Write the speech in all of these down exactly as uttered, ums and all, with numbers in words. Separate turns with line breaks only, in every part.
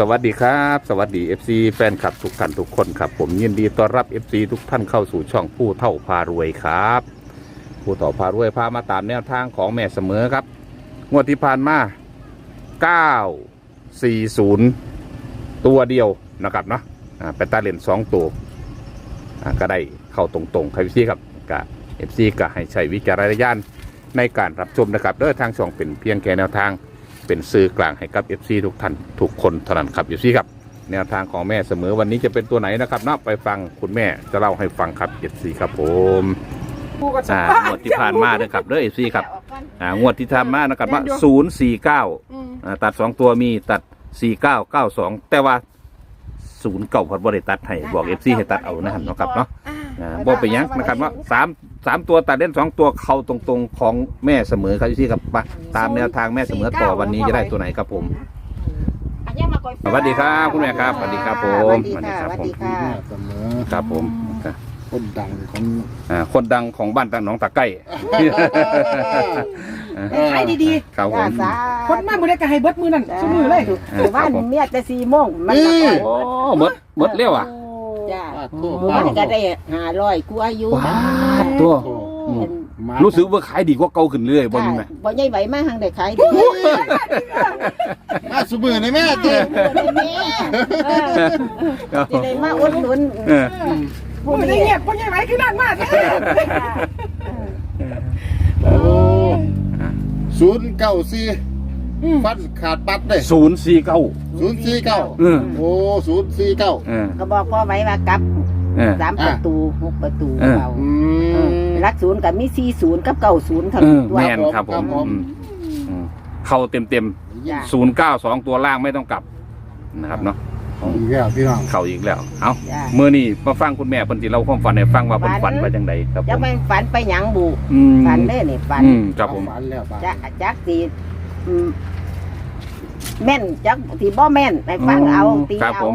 วัสดีครับสวัสดี เอฟ ซี แฟนคลับทุกท่านทุกคนครับผมยินดีต้อนรับ เอฟ ซี ทุกท่านเข้าสู่ช่องผู้เฒ่าพารวยครับผู้เฒ่าพารวยพามาตามแนวทางของแม่เสมอครับงวดที่ผ่านมาเก้า สี่ ศูนย์ตัวเดียวนะครับเนาะเป็นตาเล่นสองตัวก็ได้เข้าตรงๆครับ เอฟ ซี ครับกับ เอฟ ซี ก็ให้ใช้วิจารณญาณในการรับชมนะครับโดยทางช่องเป็นเพียงแค่แนวทางเป็นสื่อกลางให้กับ เอฟ ซี ทุกท่านทุกคนเท่านั้นครับ เอฟ ซี ครับแนวทางของแม่เสมอวันนี้จะเป็นตัวไหนนะครับเนาะไปฟังคุณแม่จะเล่าให้ฟังครับ เอฟ ซี ครับผมอ่างวดที่ผ่านมาเด้อครับเด้อ เอฟ ซี ครับอ่างวดที่ผ่านมานะครับว่าศูนย์ สี่ เก้าอ่าตัดสองตัวมีตัดสี่ เก้า เก้า สองแต่ว่าศูนย์เก้าพัดบ่ได้ตัดให้บอก เอฟ ซี ให้ตัดเอานะครับเนาะครับเนาะอ่าบ่ไปยังนะครับว่าสามสามตัวตัดเล่นสองตัวเข้าตรงๆของแม่เสมอครับที่ครับมาตามแนวทางแม่เสมอต่อวันนี้จะได้ตัวไหนครับผมสวัสดีครับคุณแม่ครับสวัสดีครับผม
สวัสดีค่ะสวัสดีค่ะ
เสมอ
ครับผม
คนดังของ
อ่าคนดังของบ้านตังหนองตะไก้
ขายดี
ๆครับผม
ๆคนมาบุได้ก็ให้เบิดมือนั่นสมือเลยถือว่าเมียแต่สี่โมงมันก็
โอ้หมดหมดเร็วอ่ะ
จ้ามันก็ได้ห้าร้อยกว่าอยู่
ตัวรู้สึกว่าขายดีกว่าเก่าขึ้นเรื่อยบ่นี่แม่
บ่ใหญ่ไหวมากทางได้ขายดี
มาสมือในแม่เจ้
ที่ได้มาอุดหนุน
ผู้ได้เงียบผู้ใหญ่ไหวคือนั่นมาก
โอ้ศูนย์เก้าสี่ฟันขาดปัดเลย
ศูนย์สี่เก้า
ศูนย์สี่เก้าโอ้ศูนย์สี่เก้า
ก็บอกพ่อไว้ว่ากับสามประตูหกประตูเรารักศูนย์กับมีสี่ศูนย์กับเก้าศูนย์ทั้งตัว
แม่นครับผมเข้าเต็มเต็มศูนย์เก้าสองตัวล่างไม่ต้องกลับนะครับเนาะ
อีกแล้วพี่น้อง
เข้าอีกแล้วเอ้าเมื่อนี้มาฟังคุณแม่เพิ่นสิเล่าความฝันให้ฟังว่าเพิ่นฝันว่าจังไดครับผม
จะไปฝันไปหยังบุฝันเด้นี่ฝัน
ครับผม
ฝันแล้ว
จะจักสิแม่นจักสิบ่แม่นให้ฟังเอาตีเอา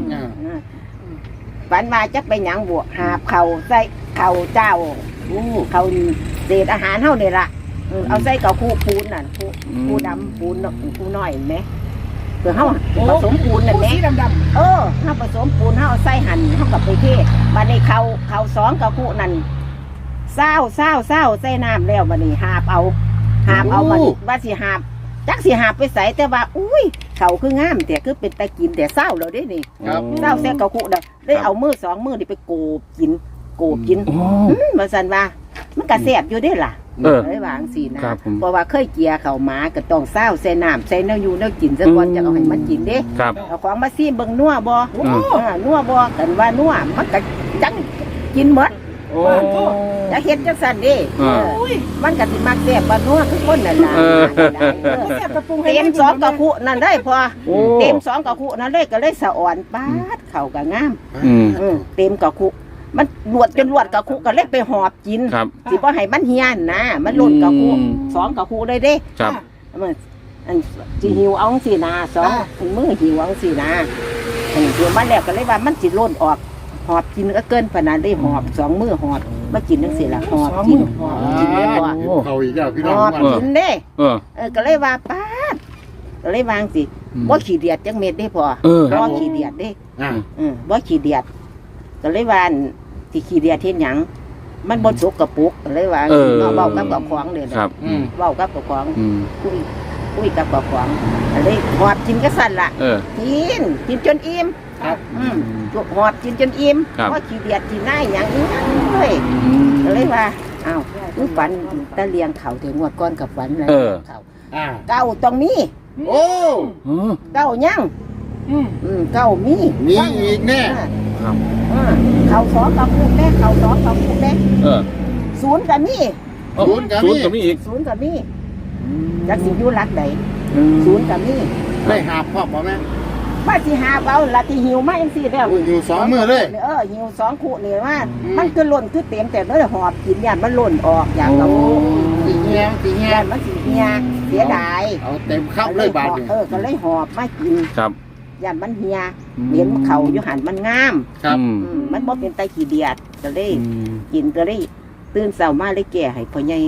ฝันมาจักไปหยังบวกหาบเข่าใส่เข่าเจ้าเข่าเศษอาหารเท่านี่ละเอาใส่กับคู่ปูนน่ะคู่คู่ดำปูนคู่น้อยไหมเพื่อเขาผสมปูนน่ะแม่เออเขาผสมปูนเขาเอาใส่หั่นเขากับไปเทมาในเข่าเข่าสองกับคู่นั่นเศร้าเศร้าเศร้าใส่น้ำแล้วมานี่หาบเอาหาบเอามาว่าสิหาบจักสิหาบไปใส่แต่ว่าอุ้ยเขาคืองามแต่คือเป็นตะกินแต่เศร้าเราได้นี่เศร้าแซ่กับคู่เด้อได้เอามือสองมือนี่ไปโกบกินโกบกินมาสันว่ามันกระแสบอยู่ได้ล่ะเลยวางสีนะเพราะว่าเคยเกียเขาหมาก็ต้องเศร้าใส่น้ำใส่เนื้ออยู่เนื้อกินซะก่อนจะเอาให้มันกินเด้เอาของมาซีเบิ่งนัวบ่นัวบ่กันว่านัวมันก็จังกินหมดจะเห็นจังสันเด้มันก็สิมักแซ่บบ่นัวทุกคนนั่นล่ะเต็มสองกระคุนั่นได้พอเต็มสองกระคุนั่นเลยก็เลยสะอ่อนปาดเข่าก็งามเต็มกระคุมันลวดจนลวดกระคุก็เล็กไปหอบกินสิบ่ให้มันเฮียนนะมันหล่นกระคุสองกระคุเลยเด้มันอันสิหิวเอาสินะสองถึงมือหิวเอาสินะอันนี้คือมันแล้วก็เลยว่ามันสิหล่นออกหอบกินก็เกินขนาดได้หอบสองมือหอบมากินทั้งสี่ละหอบกินหอบกินได้พอ
เขาอีกแล้วพี่น้อง
หอบกินเด้เออก็เลยว่าป้าก็เลยวางสิบ่ขี้เดียดจังเม็ดได้พอบ่ขี้เดียดเด้อือบ่ขี้เดียดก็เลยว่าที่ขี้เดียดเฮ็ดหยังมันบ่สกปรกก็เลยว่าเว้ากับกับของเด้อครับเว้ากับกับของคุยคุยกับกับของก็เลยหอบกินก็สั่นล่ะกินกินจนอิ่มครับอืมหอบกินจนอิ่มเพราะขี้เดียดขี้หน้าหยังอีหยังเลยก็เลยว่าอ้าวมึงฝันตะเลียงเขาถึงงวดก่อนกับฝันแล้วเขาเก้าตรงนี้
โอ้
เก้ายังอืมเก้ามี
มีอีกแน่
ครับ
เขาสองกับคู่แม่เขาสองกับคู่แม่ศูนย์กับมี
ศูนย์กับ
มีอีก
ศูนย์กับมีจักสิอยู่รักใดศูนย์กับมี
ได้หาพ่อบ่แม่
มาสิหาเอาละที่หิวมาเองสิแล้ว
หิวสองมือเลย
เออหิวสองคู่นี่ว่ามันคือหล่นคือเต็มแต่เลยหอบกินยานมันหล่นออกอย่างกับ
สีเงี้ยสีเงี้ย
มันสีเงี้ยเสียดาย
เอาเต็มคับเลยบาด
เออก็เลยหอบมากิน
ครับ
ยานมันเฮียเห็นเขาอยู่หันมันงาม
ครับ
มันบ่เป็นไตขี้เดียดก็เลยกินก็เลยตื่นเช้ามาเลยแก่ให้พ่อใหญ่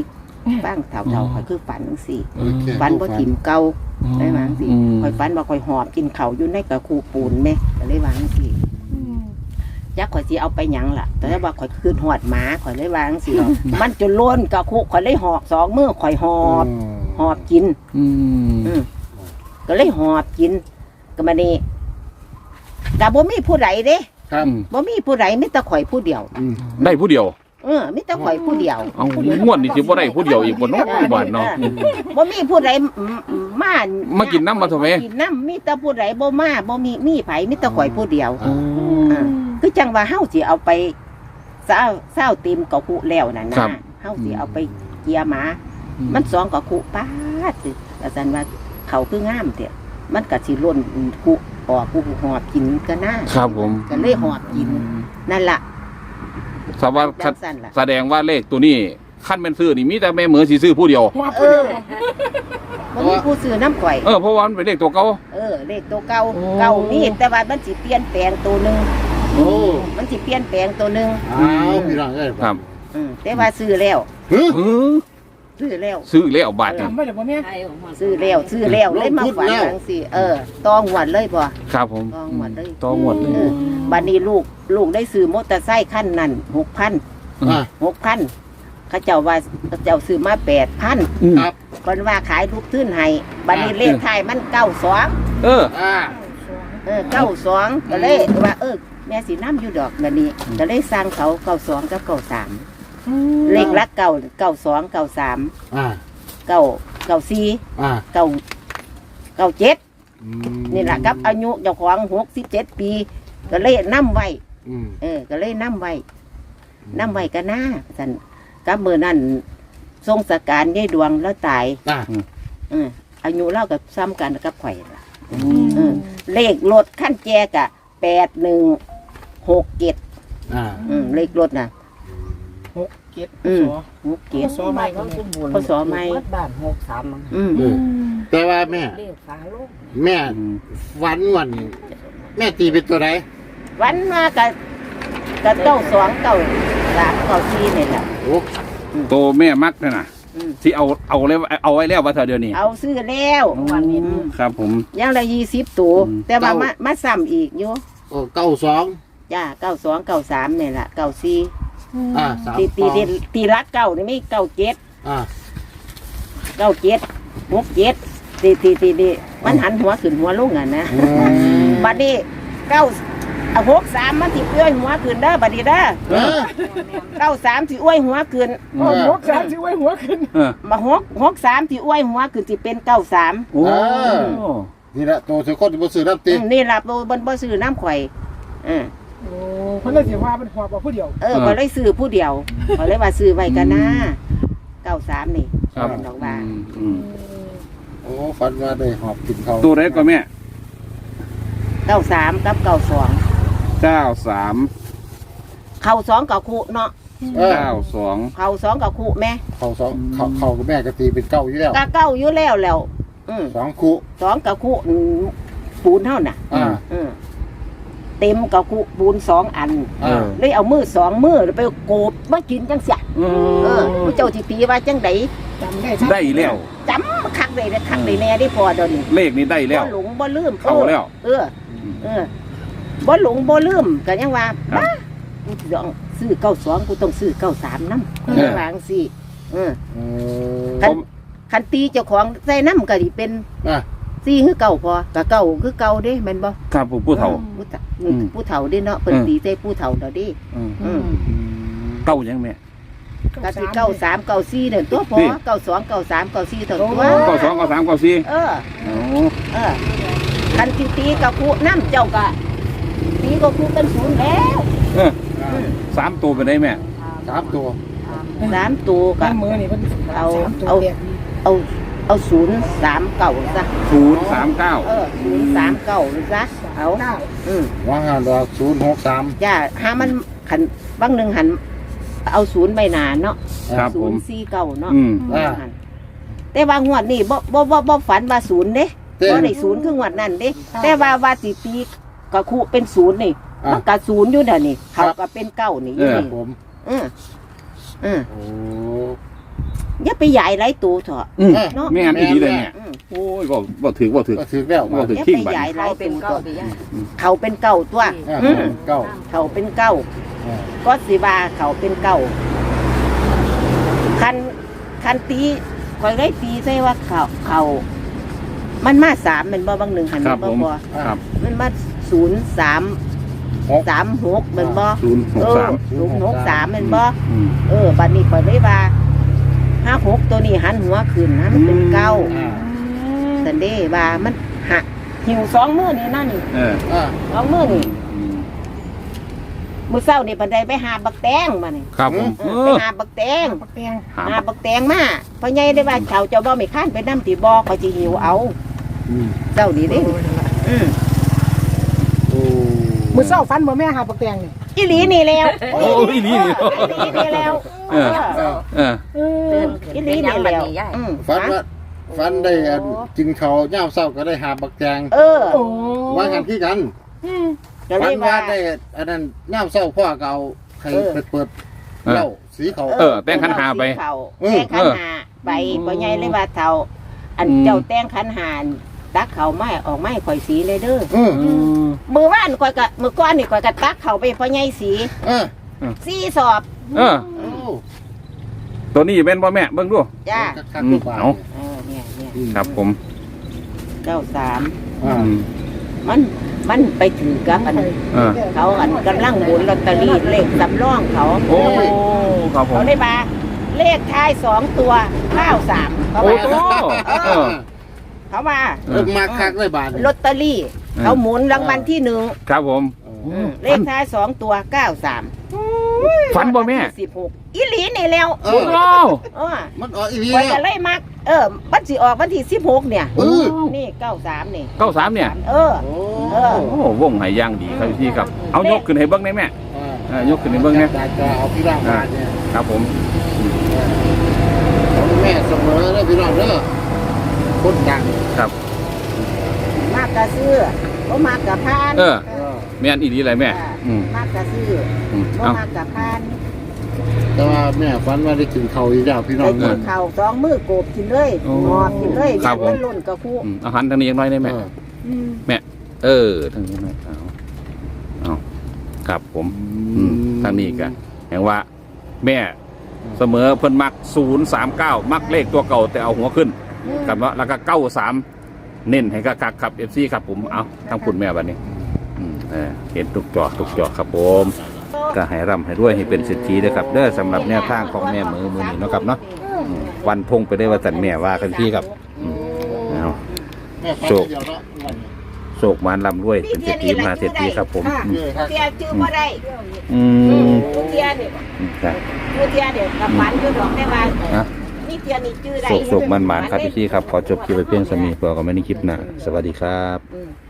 ฟังเท่าๆข่อยคือฝันจังซี่
โอเค
ฝันบ่ถิ่มเก่าได้วาจังซี่ข่อยฝันว่าข่อยหอบกินข้าวอยู่ในกระคูปูนแม่ก็เลยวาจังซี่ยักข่อยสิเอาไปหยังล่ะแต่ว่าข่อยคืนหอดหมาข่อยเลยวาจังซี่มันจนล้นกระคูข่อยเลยหอบสองมือข่อยหอบหอบกิน
อืม
อืมก็เลยหอบกินก็มานี่ก็บ่มีผู้ใดเด้
ครับ
บ่มีผู้ใดมีแต่ข่อยผู้เดียว
อืม
ได้ผู้เดียว
เออมีแต่ข่อยผู้เดียว
เอาม่วนนี่สิบ่ได้ผู้เดียวอีกบ่เนาะบ้านเนาะ
บ่มีผู้ใดมา
มากินน้ำมาทำไม
กินน้ำมีแต่ผู้ใดบ่มาบ่มีมีไผมีแต่ข่อยผู้เดียว
อ่า
อ่าคือจังว่าเฮาสิเอาไปเศร้าเศร้าเต็มกะคุแล้วนั่นนะเฮาสิเอาไปเกียหมา มันสองกะคุป้าดสิอาจารย์ว่าเขาคืองามเด้อมันก็สิล้นคุออกกูหอบกินก็น่า
ครับผม
ก็เลยหอบกินนั่นล่ะ
สว่า
จังซั่นล่ะ
แสดงว่าเลขตัวนี้ขั้นเป็นซื้อนี่มีแต่แม่เหมือสิซื้อผู้เดียว
หัว
เอ
เพื่อ
อบ่มีผู้ซื้อน้ำข่อย
เออเพราะว่ามันเป็นเลขตัวเก่า
เออเลขตัวเก่า
โอ้
เก่านี่แต่ว่ามันสิเปลี่ยนแปลงตัวหนึง
โอ้
มันสิเปลี่ยนแปลงตัวหนึง
อ้าวพี่น้องเอ้ย
ครับ
อืมแต่ว่าซื้อแล้ว
เฮ้ย
เออ
ซื้อแล้ว
ซื้อแล้วบาทนี่
จำไม่ได้บ่แม่
ซื้อแล้วซื้อแล้วเลยมาฝันจังซี่เออตองหวดเลยบ่
ครับผม
ตองหวดเลย
ต่อหมดเลย
เออบัดนี้ลูกลูกได้ซื้อมอเตอร์ไซค์คันนั้นหกพัน
อ่า
หกพันเขาเจ้าว่าเขาเจ้าซื้อมาแปดพัน
ครับ
คนว่าขายลูกทื่นให้บัดนี้เลขท้ายมันเก้าสอง
เออ
อ่า
เออเก้าสองก็เลยว่าเออแม่สีน้ำอยู่ดอกบัดนี้ก็เลยสร้างเขาเก้าสองกับเก้าสามเลขละเก้าเก้าสองเก้าสาม
อ่า
เก้าเก้าสี่
อ่า
เก้าเก้าเจ็ด
อืม
นี่แหละกับอายุเจ้าของหกสิบเจ็ดปี ก็เลยนํไว้
อืม
เออ ก็เลยนํไว้นํไว้ก็น่าสันกับมือนั่นทรงสการยายดวงแล้วตาย
อ่า
เอออายุเล่ากับซ้ำกันกับข่อยล่ะเออเลขรถขั้นแจกะแปดหนึ่งหกเจ็ด
อ่า
อืมเลขรถน่ะ
หกเจ็ด
อืม
สอ
หกเจ็ด
สอไม่ก็แม่
เขาสอไม่
บ้านหกสามมั้ง
อืม
เออแต่ว่าแม่
เรียกฟ้าโลก
แม่วันวันนี้แม่ตีเป็นตัวไหน
วันมากับกับเก้าสองเก้าสามเก้าสี่นี่แหละ
โอ้
โตแม่มักนั่นน่ะ
อืม
ที่เอาเอาเลยเอาไว้แล้วว่าเธอเดี๋ยวนี้
เอาซื้อแล้ว
วันนี้
อืม
ครับผม
ยังละยี่สิบตัว
อืม
แต่ว่ามามาซ้ำอีกอยู่
โอ้เก้าสอง
จ้าเก้าสองเก้าสามนี่แหละเก้าสี่
อ่าสาม
ตีตี
สอง
ตีตีรักเก้านี่ไม่เก้าเจ็ด
อ่า
เก้าเจ็ดหกเจ็ดตีตีตีตีมันหันหัวขึ้นหัวลงอ่ะนะ
อืม
บัดนี้เก้าเอาหกสามมันสิอ้วยหัวขึ้นเด้อบัดนี้เด้อ
เออ
เก้าสามสิอ้วยหัวขึ้น
โอ้หกสามสิไว้หัวขึ้น
เออ
มาหกหกสามสิอ้วยหัวขึ้นสิเป็นเก้าสาม
โอ้
นี่แหละตัวเสือคนที่บ่ซื้อน้ำตี
นี่ล่ะบ่บ่บ่ซื้อน้ำข่อยเออ
โอ้เพิ่นเลยสิว่าเป็นหัวบ่ผู้เดียว
เออก็เลยซื้อผู้เดียวก็เลยว่าซื้อไว้กันนะเก้าสามนี่
ครับ
เป็นดอกว่า
อืม
โอ้ฟันว่าได้หอบกินเขา
ตัวไหนก็แม่
เก้าสามกับเก้าสอง
เก้าสาม
เข่าสองกับคู่เนาะ
เออ
เก้าสอง
เข่าสองกับคู่แม่
เขาสองเขาเขากับแม่ก็ตีเป็นเก้าอยู่แล้ว
กะเก้าอยู่แล้วแล้วอืม
สองคู่
สองกับคู่อืมปูนเท่าน่ะ
อ่า
อืมเต็มกับคู่ปูนสองอัน
อ่า
เลยเอามือสองมือแล้วไปโกบมากินจังเสีย
เอ
เออ
อ
ผู้เจ้าสิตีว่าจังได
จำได้ชัด
ได้แล้ว
จำคักเลยนะคักเลยแน่ได้พอเดยวนี้
เลขนี้ได้แล้ว
บ่หลงบ่ลืม
เข้าแล้ว
เออ เออบ่หลงบ่ลืมก็ยังว่า
ครับ
บ้ากูต้องซื้อเก้าสองกูต้องซื้อเก้าสามน้ำ
เออ
วาจังสิเออ
เออ
คันคันตีเจ้าของใส่น้ำก็ดิเป็น
อ่า
ซี่คือเก่าพอก็เก่าคือเก่าเด้แม่นบ่
ครับผมผู้เฒ่า
ผู้เฒ่า
อืม
ผู้เฒ่าเด้เนาะเพิ่น
อืม
ตีใส่ผู้เฒ่าเด้อเดิ
อืม
อืม
เก้ายังแม่
ก็สิเก้าสามเก้าสี่เนี่ยตัวพอ
นี่
เก้าสองเก้าสามเก้าสี่เท่าตัว
เก้าสองเก้าสามเก้าสี่
เออ
โอ้
เออคันตีตีกับคู่น้ำเจ้าก็ตีก็คู่เป็นศูนย์แล้ว
เออสามตัวเป็นได้แม่
สามตัว
สามตัวก็
บ้านมือนี่เพิ่น
เอา
สมตัว
เอา
แยก
เอาเอาศูนย์สามเก่าซะ
ศูนย์สามเก้า
เออศูนย์สามเก่าซะเอา
เก้า
อืม
ว่างานดอกศูนย์หกสาม
ย่าหามันขันบางหนึ่งหันเอาศูนย์ใบหนาเนาะ
ครับ
ศู
ผ
น
ม
ย์สี่เก่าเนาะ
อืม
อ่า
หันแต่ว่างวดนี่บ่บ่บ่บ่ฝันว่าศูนย์เด้
เต้
บ่ได้ศูนย์คืองวดนั่นเด้แต่ว่าว่าสิตีก็คู่เป็นศูนย์นี่
อ่า
มันก็ศูนย์อยู่เดี๋ยวนี้เขาก็เป็นเก้านี่อยู่
ครั
นี่
บผม
อืมอืม
โอ้
อย่าไปใหญ่ไรตัวเถอะ
อืม
เนาะ
แม่นอีดีเลยแม่
อืม
โอ้ยบ่บ่ถือบ่ถือ
ก็ถือแล้ว
บ่
มา
ถือ
อย่า
ทิ้ง
ไป
บัด
ใหญ่ไร
เขาเป็น
ตัว
เก้าตีย่า
เขาเป็นเก่าตัว
อ่า
อืม
เก้า
เขาเป็นเก่า
อ่า
ก็สิว่าเขาเป็นเก่าคันคันตีคอยได้ตีใช่ว่าเขาเขา มันมาสามมันบ่บางหนึ่งหัน
ครับ
บ่
ผม
บ่
ครับ
มันมาศูนย์สาม
หก
สามหกมันบ่
ศูนย์ห
เอก อ
สาม
ศูนย์หกสามมันบ่
อืม
เออบัดนี้คอยได้ว่าห้าหกตัวนี้หันหัวขึ้นนะมันเป็นเก้า
อ่า
สันเดว่ามันหักหิวสองมือนี่นั่นนี่
เออ
อ่า
สองมือนี่
อืม
มื้อเช้านี่ปันไดไปหาบักแตงมานี่
ครับผม
เอ
เอ
อไป
อ
หาบักแตง
ปักแตง
หาม
หาบักแตงมาพ่อใหญ่ได้ว่าเขาเจ้าบ่ไม่ค้านไปนำที่บ่เขาสิหิวเอา
อืม
เจ้านี่เด้อืม
โอ้
มือเศร้าฟันบ่แม่หาปักแตงนี่
อีหลีนี่แล้ว
โอ้ยนี่นี่
อีหลีนี่แล้ว
เออ
เออ
เออ
เออ
อีหลีนี่แล้วอืม
ฝันว่าฝันได้อันกินเขาวย่ามเศร้าก็ได้หาบักแจง
เออ
โอ้
ว่ากันที่กัน
อืม
ก็เล
ฝัน
ย
ว่า
ว่า
ได้อันนั้นย่ามเศร้าพ่อก็เอาใคร
เออ
ไปเปิดเหล้าสีเขา
เออแต่งขันหาไป
เออ
เออ
แต่งขันหาไปพ่อใหญ่เลยว่าเฒ่าอันเจ้าแต่งขันหาตักเขาไม้ออกไม้ข่อยสีเลยเด้อ
เออ
อืม
มือว่านข่อยก็มือก้อนนี่ข่อยก็ตักเขาไปพ่อใหญ่สี
เออ
สี่สอบ
เออ
โอ้
ตัวนี้เป็นบ่แม่เบิ่งดู
จ้า
คักๆทุกบาท
เอา
เออเนี่ยเนี่ย
อืม
ครับผม
เก้าสาม
อ่า
อืม
มันมันไปถือกับอัน
เออ
เขาอันกำลังหมุนลอตเตอรี่เลขสำรองเขา
โอ้ครับผม
เขาได้มาเลขท้ายสองตัวเก้าสามเขา
โอ้
ว่า
โหเออ
เขาว่า
เออมาคักเลยบาท
ลอตเตอรี่ เขาหมุนรางวัลที่หนึ่ง
ครับผม
อืมเลขท้ายสองตัวเก้าสาม
ฝันบ่แม่
สิบหกอีหลีนี่แล้ว
เอ
โอ้
อ
โห
เออ
มันออกอีพี
ไว้
แล้
กั
วน
เลยมัก เออมันสิออกวันที่สิบหกเนี่ย
เออ
นี่เก้าสามนี่
เก้าสามเนี่ย
เออ
โอ้
เออ
โอ้วงไหย่างดีครับพี่ครับ เอายกขึ้นให้เบิ้งได้แม่
อ่า
เออยกขึ้นให้เบิ้งเนี่ย
จะจะเอาพี่ร่างบาทเนี่ย
ครับผม
ของแม่เสมอเลยพี่น้องเด้อคนดัง
ครับ
มากกะซื้อบ่มากกะพาน
เออ
เออ
แม่นอีดีอะไรแม่ อืม
มากกะซื้อ
อืม
บ่
เอา
มากกะพาน
แต่ว่าแม่ฝันว่าได้กินเขาวอีกแล้วพี่น้อ
ไป
ง
กิ
เด้อน
ข้าวสองมือโกบกินเลย
โอ้
งอบกินเลย
ครับ
อยากมัน
ผม
ล่นกะคู่
อืมเอาหันทางนี้ยังน้อยได้แม่
เออ
แม่ เออทางนี้หน่อยเอาเอาครับผม อืมทางนี้กันแห่งว่า แม่เสมอเพิ่นมักศูนย์สามเก้ามักเลขตัวเก่าแต่เอาหัวขึ้นกับว่าแล้วก็เก้าสามเน้นให้กักๆครับเอฟซีครับผมเอาทั้งคุณแม่บัดนี้ อืมเออเห็นทุกจอทุกจอครับผมก็ให้ร่ำให้ด้วยให้เป็นสิทธิด้วยครับเด้อสำหรับแนวทางของแม่มือมือนี้เนาะครับเนาะอืมวันพงไปได้ว่าสันแม่ว่ากันพี่ครับอืมเอา
แม่ฝัน
โชค
เดียวเนาะวันนี้
โศกมานลำด้วยเป็นเศรษฐีมหาเศรษฐีครับผมอืม
เออครับ
เทียชื่อบ่ได้
อืม
ผู้เทียนี่
จ้ะ
ผู้เทียเดี๋ยวกับฝันอยู่ดอกได้ว่า
นะ
นี่เทียนี่ชื่อใด
โศกโศกมันหมานครับพี่ครับขอจบคลิปไปเพียงสมีเพื่อก็ไม่ได้คลิปหนะสวัสดีครับ
อืม